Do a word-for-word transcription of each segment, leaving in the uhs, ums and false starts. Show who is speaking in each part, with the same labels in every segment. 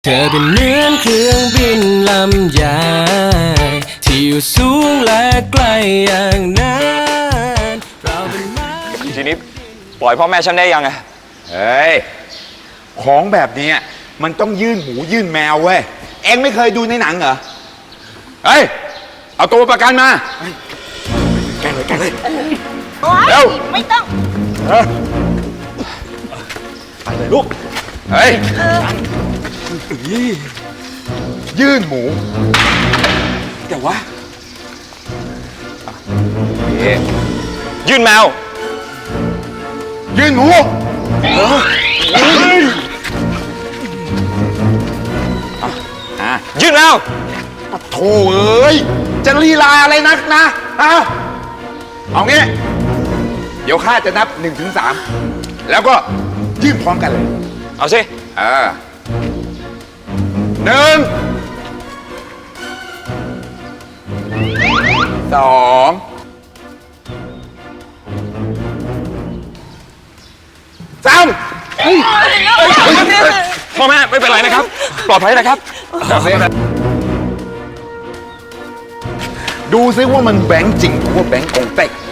Speaker 1: เธอเป็นเหมือนเครื่องบินลำใหญ่ที่อยู่สูงและไกลอย่างนั้นเราเป็นไม้
Speaker 2: ทีนี้ปล่อยพ่อแม่ฉันได้ยังไง
Speaker 3: เฮ้ยของแบบนี้มันต้องยื่นหมูยื่นแมวเว้ยเอ็งไม่เคยดูในหนังเหรอเฮ้ยเอาตัวประกันมาแกเลยแกเลยเร็ว
Speaker 4: ไม่ต้อง
Speaker 3: ไปเลยลูกเฮ้ยยื่นหมูแต่ว่า
Speaker 2: ยื่นแมว
Speaker 3: ยื่นหมู
Speaker 2: ยื่นแมว
Speaker 3: โถ่เอ้ยจะลีลาอะไรนักนะฮะเอางี้เดี๋ยวข้าจะนับหนึ่งถึงสามแล้วก็ยื่นพร้อมกันเลย
Speaker 2: เอาสิ
Speaker 3: เออหนึ่งสองสาม
Speaker 2: พ่อแม่ไม่เป็นไรนะครับปลอดภัยนะครับ
Speaker 3: ดูซิว่ามันแบงค์จริงหรือว่าแบงค์กงเต็ก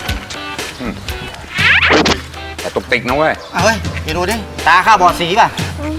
Speaker 3: แต่ตกติกนะเว้ย
Speaker 5: เอาเว้ยไปดูดิตาข้าบอดสีป่ะ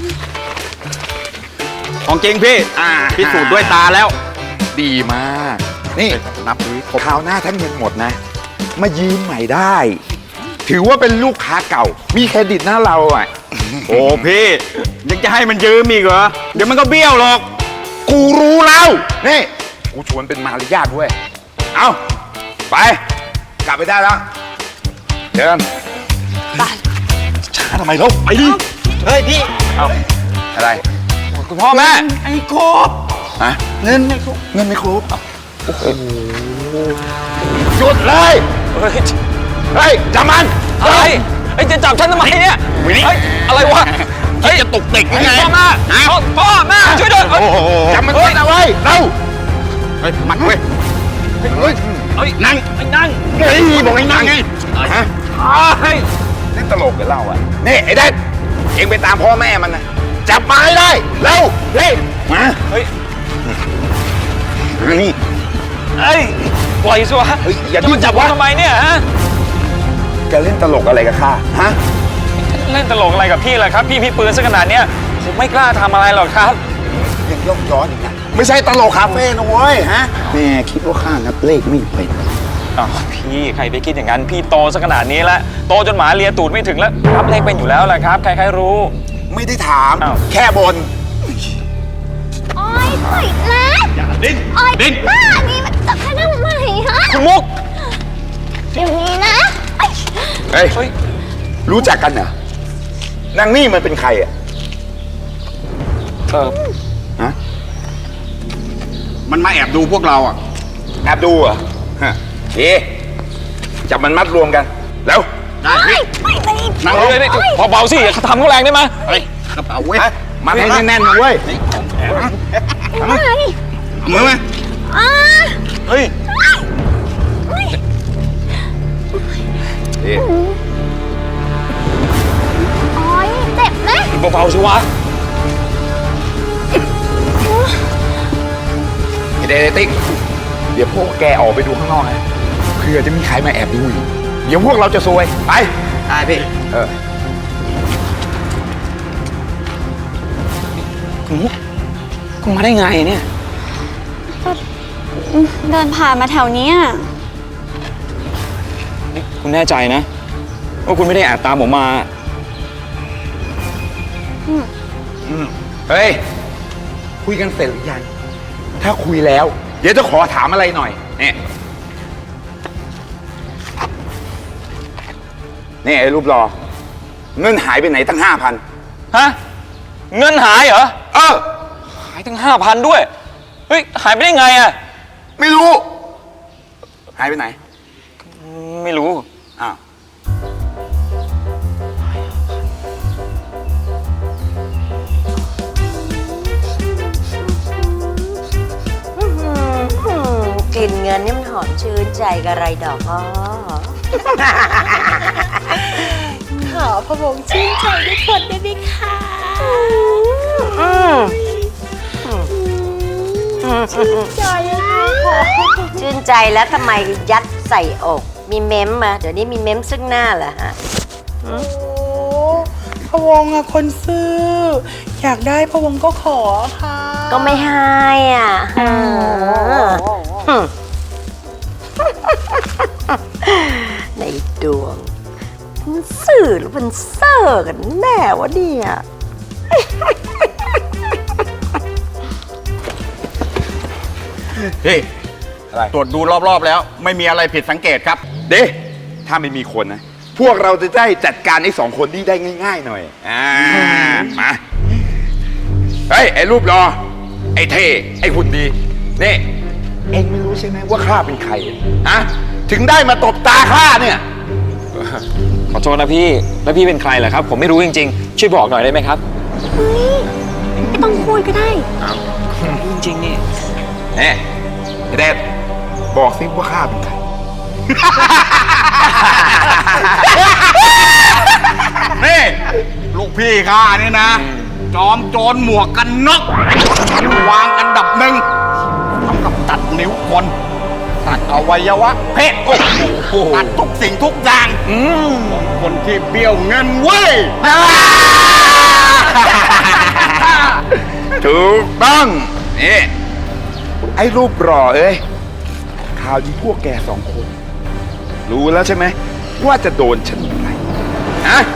Speaker 2: ของจริงพี่พิสูจน์ด้วยตาแล้ว
Speaker 3: ดีมากนี่นับดูคราวหน้าถ้าเงินหมดนะมายืมใหม่ได้ถือว่าเป็นลูกค้าเก่ามีเครดิตหน้าเราอ่ะ
Speaker 2: โอ้พี่ยังจะให้มันยืมอีกเหรอเดี๋ยวมันก็เบี้ยวหรอก
Speaker 3: กูรู้แล้วนี่กูชวนเป็นมารยาทเว้ยเอาไปกลับไปได้แล้วเดิน
Speaker 5: ไป
Speaker 3: ช้าทำไมลูกไปดิ
Speaker 5: เฮ้ยพี่
Speaker 3: เอาอะไร
Speaker 2: คุณพ่อแม่
Speaker 5: ไอ้ครบ
Speaker 3: ฮะ
Speaker 5: เงินไม่ครบ
Speaker 3: เงินไม่ครบโอ้โหหยุดเลยเฮ้ยจับมัน
Speaker 2: อะไรไอ้จะจับฉันทำไมเนี่ยเฮ้ยอะไรวะเฮ้ยจะตกติกยังไงพ่อแม่พ่อแม่ช่วยด้วย
Speaker 3: จับมันด้วยนะเว้ยเร็ว
Speaker 2: เฮ้ยมันเว้ยเฮ้ยเฮ้ยนั่งไอ้นั่ง
Speaker 3: เฮ้ยบอกให้นั่งไงฮะ
Speaker 2: เฮ้ย
Speaker 3: นี่ตลกกันเล่าอ่ะนี่ไอ้เด็กเอ็งไปตามพ่อแม่มันนะจับมาให้ได้เร็วเฮ้ยมา
Speaker 2: เฮ้ย
Speaker 3: นี่
Speaker 2: เฮ้ยปล่อยสิวะ
Speaker 3: อย่า
Speaker 2: ดิ้นจับว่าทำไมเนี่ยฮะ
Speaker 3: แกเล่นตลกอะไรกับข้าฮะ
Speaker 2: เล่นตลกอะไรกับพี่แหละครับพี่พี่ปืนซะขนาดเนี้ยผมไม่กล้าทำอะไรหรอกครับ
Speaker 3: ยังยกย้อนอีกนะไม่ใช่ตลกคาเฟ่นะเว้ยฮะแม่คิดว่าข้านับเลขไม่เป็น
Speaker 2: อ๋อพี่ใครไปคิดอย่างนั้นพี่โตซะขนาดนี้แล้วโตจนหมาเลียตูดไม่ถึงแล้วนับเลขเป็นอยู่แล้วแหละครับใครๆรู้
Speaker 3: ไม่ได้ถามแค่บน
Speaker 4: โอ๊ยปล่อยแล้ว
Speaker 2: อย่าดิ้น
Speaker 4: ดิ้นบ้านี่มันจับข้าทำไมฮะ
Speaker 2: คุณมุก
Speaker 4: เดี๋ยวนี้นะ
Speaker 3: เฮ้ยรู้จักกันเหรอ นางนี่มันเป็นใครอ่ะ
Speaker 2: เออ
Speaker 3: ฮะ
Speaker 2: มันมาแอบดูพวกเราอ่ะ
Speaker 3: แอบดูอ่ะฮะเอ๊ะจับมันมัดรวมกันแล้ว
Speaker 4: ได้พี่
Speaker 2: นั่งเลยนี่เบาๆสิอย่าทำเขาแรงได้ไหม
Speaker 3: เฮ้ยกระเป๋าเว้ยมัดให้แน่นๆนะเว้ย
Speaker 4: มาดิ
Speaker 3: มือมา
Speaker 2: เฮ้ย
Speaker 3: เอ๊ะ
Speaker 4: โอ๊ยเจ็บไหม
Speaker 2: เบาๆสิวะ
Speaker 3: ไอเดติ๊กเดี๋ยวพวกแกออกไปดูข้างนอกนะเผื่อจะมีใครมาแอบดูอยู่เดี๋ยวพวกเราจะซวยไป
Speaker 5: ได้พี่
Speaker 3: เออ
Speaker 2: คุณมุกคุณมาได้ไงเนี่ย
Speaker 4: เดินผ่านมาแถวนี้
Speaker 2: นี่คุณแน่ใจนะว่าคุณไม่ได้แอบตามผมมา
Speaker 3: เฮ้ยคุยกันเสร็จหรือยังถ้าคุยแล้วเดี๋ยวจะขอถามอะไรหน่อยนี่นี่ไอ้รูปรอเงินหายไปไหนตั้งห้าพัน
Speaker 2: ฮะเงินหายเหรอ
Speaker 3: เออ
Speaker 2: หายตั้งห้าพันด้วยเฮ้ยหายไปได้ไงอ่ะ
Speaker 3: ไม่รู้หายไปไหน
Speaker 2: ไม่รู้
Speaker 3: อ้าว
Speaker 6: กลิ่นเงินนี่มันหอมชื่นใจกับอะไรดอกอ้อ ขอพระวงศ์ชื่นใจด้วยคนได้ไหมคะ
Speaker 4: ใจค่ะ
Speaker 6: ชื่นใจแล้วทำไมยัดใส่อก มีเม้มมาเดี๋ยวนี้มีเม้มซึ่งหน้าเหรอฮะ
Speaker 7: โอ้พะวงอะคนซื้อ อยากได้พะวงก็ขอค่ะ
Speaker 6: ก็ไม่ให้อ่ะในดวงมันสื่อหรือมันเซอร์กันแน่วะเนี่ย
Speaker 3: เฮ้ยอะไร
Speaker 5: ตรวจดูรอบๆแล้ว ไม่มีอะไรผิดสังเกตครับ
Speaker 3: เด้ถ้าไม่มีคนนะ พวกเราจะได้จัดการไอ้สองคนนี้ได้ง่าย ๆ หน่อย อ่า มา เฮ้ย ไอ้รูปรอ ไอ้เท่ ไอ้หุ่นดี นี่ เอ็งไม่รู้ใช่ไหมว่าข้าเป็นใครฮะ ถึงได้มาตบตาข้าเนี่ย
Speaker 2: ขอโทษนะพี่ แล้วพี่เป็นใครเหรอครับ ผมไม่รู้จริงๆ ช่วยบอกหน่อยได้ไหมครับ
Speaker 4: เฮ้ย ไม่ต้องพูดก็ได้
Speaker 2: จริงๆนี่
Speaker 3: นี่ไอ้เดดบอกสิว่าข้าเป็นใคร
Speaker 5: นี่ ลูกพี่ข้านี่นะ จอมโจรหมวกกันน็อกชั้นวางอันดับหนึ่งทำกับตัดนิ้วคน ตัดอวัยวะเพศโอ้โหตัดทุกสิ่งทุกอย่างของคนที่เบี้ยวเงินเว้ย
Speaker 3: ถูกต้อง นี่ ไอ้รูปรอเอ้ยข่าวดีพวกแกสองคน รู้แล้วใช่ไหมว่าจะโดนฉันอะไรฮะ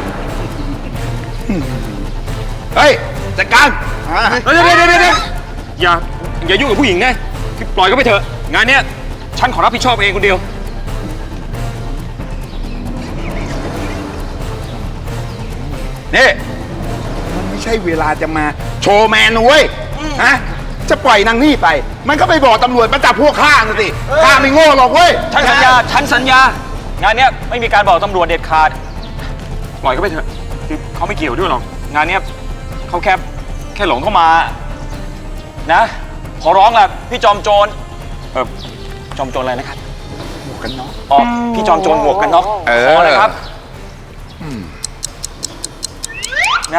Speaker 3: เฮ้ย จัดการ
Speaker 2: เดี๋ยวเดี๋ยวเดี๋ยวเดี๋ยวอย่า อย่ายุ่งกับผู้หญิงนะคือปล่อยก็ไปเถอะ งานเนี้ยฉันขอรับผิดชอบเองคนเดียว
Speaker 3: นี่ มันไม่ใช่เวลาจะมาโชว์แมนนะเว้ยฮะ จะปล่อยนางนี่ไป มันก็ไปบอกตำรวจมาจับพวกข้าน่ะสิข้าไม่โง่หรอกเว้ย
Speaker 2: ฉันสัญญา ฉันสัญญา งานเนี้ยไม่มีการบอกตำรวจเด็ดขาด ปล่อยก็ไปเถอะคือเขาไม่เกี่ยวด้วยหรอก งานเนี้ยเขาแค่แค่หลงเข้ามา นะ ขอร้องล่ะพี่จอมโจร เออจอมโจรอะไรนะครับ
Speaker 3: หมวกกันน็อก
Speaker 2: อ๋อ พี่จอมโจรหมวกกันน็อก
Speaker 3: เออ
Speaker 2: ขอเลยครับนะ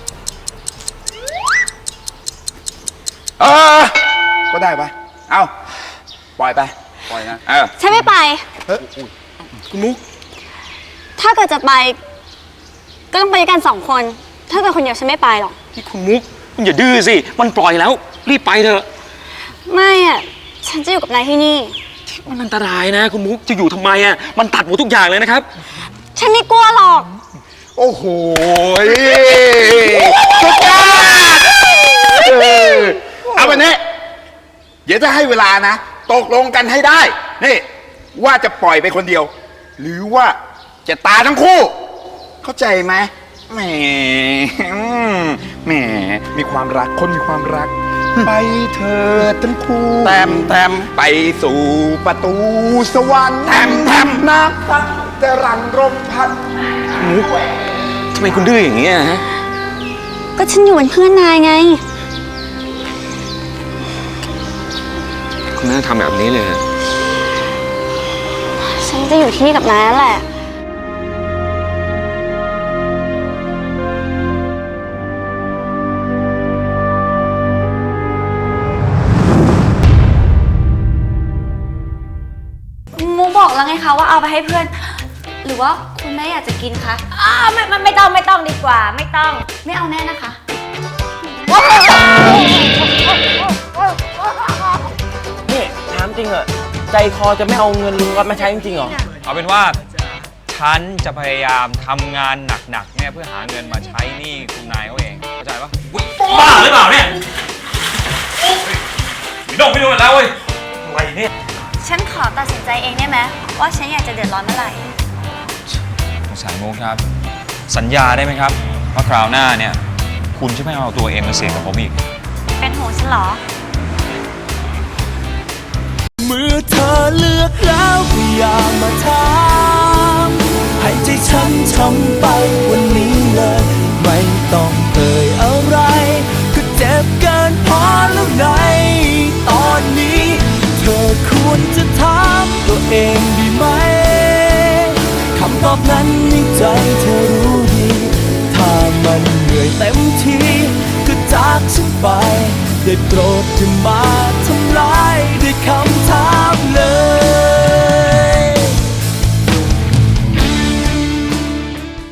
Speaker 3: เออ ก็ได้ปะเอาปล่อยไป ปล่อยนะ เออ
Speaker 4: ฉันไม่ไป
Speaker 3: เฮ้ย
Speaker 2: คุณมุก
Speaker 4: ถ้าเกิดจะไป ก็ต้องไปด้วยกันสองคน ถ้าเกิดคนเดียวฉันไม่ไปหรอก
Speaker 2: พี่คุณมุกคุณอย่าดื้อสิ มันปล่อยแล้ว รีบไปเถอะ
Speaker 4: ไม่อะฉันจะอยู่กับนายที่นี่
Speaker 2: มันอันตรายนะ คุณมุกจะอยู่ทำไมอ่ะ มันตัดหมดทุกอย่างเลยนะครับ
Speaker 4: ฉันไม่กลัวหรอก
Speaker 3: โอ้โหสุดยอดเออเอาแบบนี้ เดี๋ยวจะให้เวลานะ ตกลงกันให้ได้ นี่ ว่าจะปล่อยไปคนเดียว หรือว่าจะตายทั้งคู่ เข้าใจไหมแหมอืมแหม มีความรัก คนมีความรัก ไปเถิดทั้งคู่
Speaker 5: แต้มแต้ม
Speaker 3: ไปสู่ประตูสวรรค์แถมแถมน้ำตั้งจะรังรมพัน
Speaker 2: มุกทำไมคุณดื้ออย่างนี้อะฮะ
Speaker 4: ก็ฉันอยู่เป็นเพื่อนนายไง
Speaker 2: คุณไม่ต้องทำแบบนี้เลย
Speaker 4: ฉันจะอยู่ที่นี่กับนายนั่นแหละ
Speaker 8: มูบอกแล้วไงคะว่าเอาไปให้เพื่อน หรือว่าคุณแม่อยากจะกินคะ
Speaker 6: อ้าวไม่ไม่ไม่ต้องไม่ต้องดีกว่า ไม่ต้อง
Speaker 8: ไม่เอาแน่นะคะ
Speaker 5: นี่ถามจริงเหรอใจคอจะไม่เอาเงินลุงวัดมาใช้จริงๆเหรอ
Speaker 2: เอาเป็นว่า ฉันจะพยายามทำงานหนักๆเนี่ยเพื่อหาเงินมาใช้หนี้คุณนายเขาเอง เข้าใจปะบ้าหรือเปล่าเนี่ยไม่ต้องไปดูแล้วเว้ยอะไรเนี่ย
Speaker 8: ฉันขอตัดสินใจเองได้ไหมว่าฉันอยากจะเดือดร้อนเมื่อไหร่
Speaker 2: สงสารมุกครับ สัญญาได้ไหมครับว่าคราวหน้าเนี่ย คุณจะไม่เอาตัวเองมาเสี่ยงกับผมอีก
Speaker 8: เป็นห่วงฉันเหรอ
Speaker 1: เมื่อเธอเลือกแล้วก็อย่ามาถามให้ใจฉันทำไปวันนี้เลย ไม่ต้องเอ่ยอะไร ก็เจ็บเกินพอแล้วไงตอนนี้ เธอควรจะถามตัวเองดีไหมคำตอบนั้นในใจเธอรู้ดี ถ้ามันเหนื่อยเต็มทีจากฉันไปได้โปรดอย่ามา